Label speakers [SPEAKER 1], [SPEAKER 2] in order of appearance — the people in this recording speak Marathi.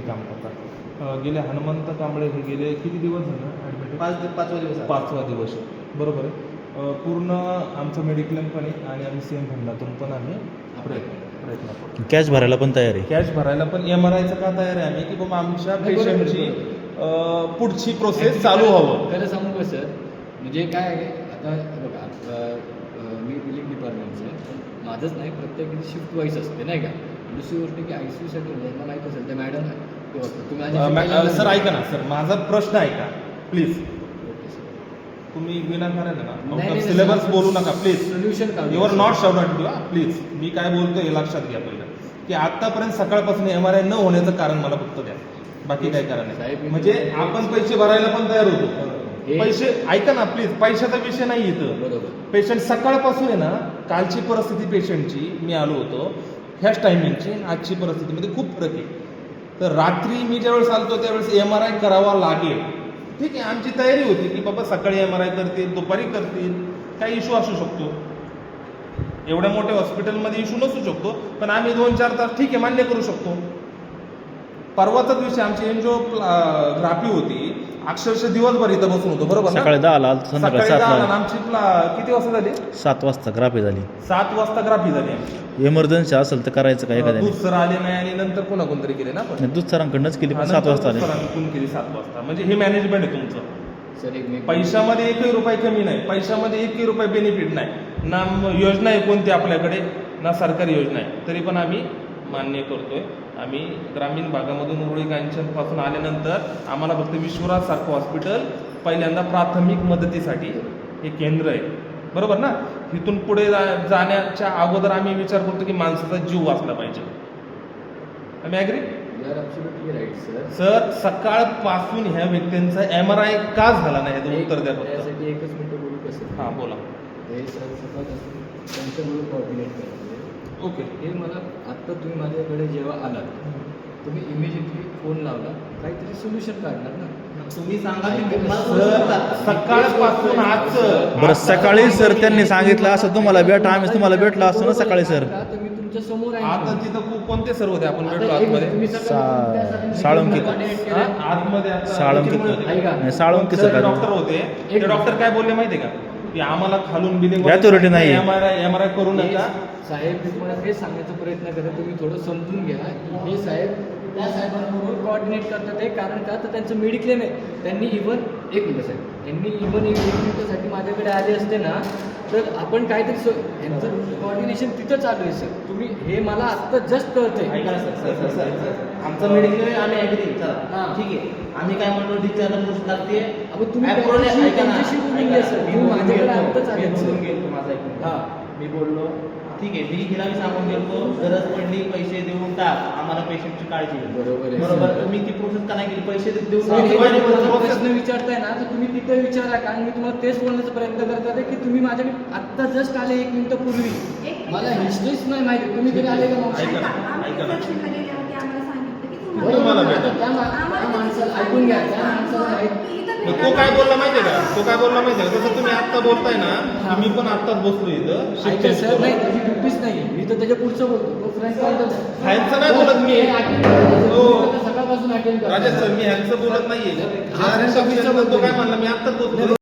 [SPEAKER 1] काम करतात. गेले हनुमंत कांबळे हे गेले किती दिवस झाले ॲडमिट? 5वा दिवस आहे. बरोबर आहे. पूर्ण आमचं मेडिक्लेम पण आहे आणि आम्ही सीएम फंडातून पण आम्ही प्रयत्न करतो.
[SPEAKER 2] कॅश भरायला पण तयार आहे.
[SPEAKER 1] कॅश भरायला पण MRIचं का तयार आहे आम्ही की बाबा आमच्या पेशंटची पुढची प्रोसेस चालू हवं.
[SPEAKER 3] खरं सांगू का सर, म्हणजे काय आहे आता बघा, मी बिलिंग डिपार्टमेंटचं आहे, माझंच नाही प्रत्येक शिफ्ट वाईज असते नाही का. दुसरी गोष्ट की ICUसाठी यांना माहीत असेल त्या मॅडम तुम्ही
[SPEAKER 1] सर ऐका ना सर, माझा प्रश्न ऐका प्लीज. तुम्ही विनाकारण ना सिलेबस बोलू नका please.
[SPEAKER 3] Solution
[SPEAKER 1] your not shout too please. मी काय बोलतो हे लक्षात घ्या पहिलं की आतापर्यंत सकाळपासून MRI न होण्याचं कारण मला फक्त द्या, बाकी काय कारण नाही. म्हणजे आपण पैसे भरायला पण तयार होतो. पैसे ऐका ना प्लीज, पैशाचा विषय नाही इथं. पेशंट सकाळपासून आहे ना, कालची परिस्थिती पेशंटची मी आलो होतो ह्याच टायमिंगची आजची परिस्थितीमध्ये खूप फरक आहे. तर रात्री मी ज्यावेळेस आलतो त्यावेळेस MRI करावा लागेल, ठीक आहे. आमची तयारी होती की बाबा सकाळी MRI करतील, दुपारी करतील, काही इश्यू असू शकतो. एवढ्या मोठ्या हॉस्पिटलमध्ये इश्यू नसू शकतो, पण आम्ही 2-4 तास ठीक आहे मान्य करू शकतो. परवाचाच विषय आमची एन्जिओग्राफी होती, अक्षरशः दिवसभर इथं बसून होतो. बरोबर ना?
[SPEAKER 2] सकाळी 10ला संध्याकाळी 7ला.
[SPEAKER 1] आमची किती वाजता झाली?
[SPEAKER 2] 7 वाजता ग्राफी झाली.
[SPEAKER 1] 7 वाजता ग्राफी झाली आमची.
[SPEAKER 2] इमर्जन्सी असेल तर करायचं काय एखाद्याने.
[SPEAKER 1] दूध सर आले नाही आणि नंतर पुन्हा कोणतरी केले ना. पण
[SPEAKER 2] दूध सरांकडनंच केली पण 7 वाजता आले.
[SPEAKER 1] सरांकडून केली 7 वाजता. म्हणजे हे मॅनेजमेंट आहे तुमचं.
[SPEAKER 3] सर एक
[SPEAKER 1] पैशामध्ये 1 रुपये कमी नाही, पैशामध्ये 1 रुपये बेनिफिट नाही. ना योजना आहे कोणती आपल्याकडे, ना सरकारी योजना आहे, तरी पण आम्ही मान्य करतोय. आम्ही ग्रामीण भागामधून उरुळी कांचनपासून आल्यानंतर आम्हाला फक्त विश्वराज सारखं हॉस्पिटल पहिल्यांदा प्राथमिक मदतीसाठी हे केंद्र आहे. बरोबर ना? इथून पुढे जाण्याच्या अगोदर आम्ही विचार करतो की माणसाचा जीव वाचला पाहिजे. आम्ही ॲग्री? सर सकाळपासून ह्या व्यक्तींचा MRI का झाला नाही याचं उत्तर द्या फक्त.
[SPEAKER 3] त्यासाठी एकच मिनिट बोलू कसं.
[SPEAKER 1] हां बोला.
[SPEAKER 3] हे सर सकाळपासून त्यांच्यामुळे कोऑर्डिनेट करायचं.
[SPEAKER 1] ओके.
[SPEAKER 3] हे मला आत्ता तुम्ही माझ्याकडे जेव्हा आलात तुम्ही इमिजिएटली फोन लावला, काहीतरी सोल्युशन काढणार ना.
[SPEAKER 1] तुम्ही सांगा की सकाळपासून आज
[SPEAKER 2] बरं सकाळी सर त्यांनी सांगितलं असं तुम्हाला भेटा, आम्ही तुम्हाला भेटला असतो ना सकाळी सर.
[SPEAKER 3] तर मी तुमच्या समोर आहे.
[SPEAKER 1] आता तिथं कोणते सर होते आपण भेटलो आतमध्ये?
[SPEAKER 2] साळुंकी
[SPEAKER 1] आतमध्ये
[SPEAKER 2] साळुंकी साळुंकी सर
[SPEAKER 1] डॉक्टर होते. ते डॉक्टर काय बोलले माहितीये का की आम्हाला खालून बिलिंग
[SPEAKER 2] Authority नाही.
[SPEAKER 1] MRI करू नका.
[SPEAKER 3] साहेब मी तुम्हाला हे सांगण्याचा प्रयत्न करतो, तुम्ही थोडं समजून घ्या की हे साहेब त्या साहेबांबरोबर कोऑर्डिनेट करतात आहे. कारण का तर त्यांचं मेडिक्लेम आहे. त्यांनी इव्हन एक मिनिट साहेब, त्यांनी इव्हन 1 मिनिटासाठी माझ्याकडे आले असते ना, तर आपण काहीतरी यांचं कोऑर्डिनेशन तिथं चालू आहे. सर तुम्ही हे मला आत्ता जस्ट कळतंय.
[SPEAKER 4] आमचं मेडिक्लेम आम्ही ॲग्री. चला ठीक आहे. आम्ही काय म्हणतो डिस्चार्ज पोस्ट लागते.
[SPEAKER 3] तुम्ही त्यांच्याशी बोलून घ्या सर. तुम्ही माझ्याकडे आत्ताच आले सर.
[SPEAKER 4] माझा ऐकून मी बोललो ठीक आहे, मी हिला मी सांगून गेलो गरज पडली पैसे देऊन टाक, आम्हाला पेशंटची काळजी घे. बरोबर. तुम्ही ती प्रोसेस का नाही केली? पैसे देऊन
[SPEAKER 3] प्रश्न विचारताय ना, तर तुम्ही तिथे विचारा. कारण मी तुम्हाला तेच बोलण्याचा प्रयत्न करत आहे की तुम्ही माझ्याकडे आत्ता जस्ट आले 1 मिनिटापूर्वी. मला हिस्ट्रीच नाही माहिती. तुम्ही कधी आले का? त्या माणसाला ऐकून घ्या. त्या माणसाला
[SPEAKER 1] तो काय बोलला माहितीये का? तो काय बोलला माहितीये का? जसं तुम्ही आत्ता बोलताय ना, मी पण आत्ताच बसलो इथं.
[SPEAKER 3] सर नाही, त्याची ड्युटीच नाही. मी तर त्याच्या पुढचं बोलतो. तो फ्रेंड
[SPEAKER 1] ह्यांचं नाही बोलत मी.
[SPEAKER 3] सकाळपासून अटेंड
[SPEAKER 1] राजेश सर मी ह्यांचं बोलत नाहीये. तो काय म्हणला मी आत्ताच बोलतो.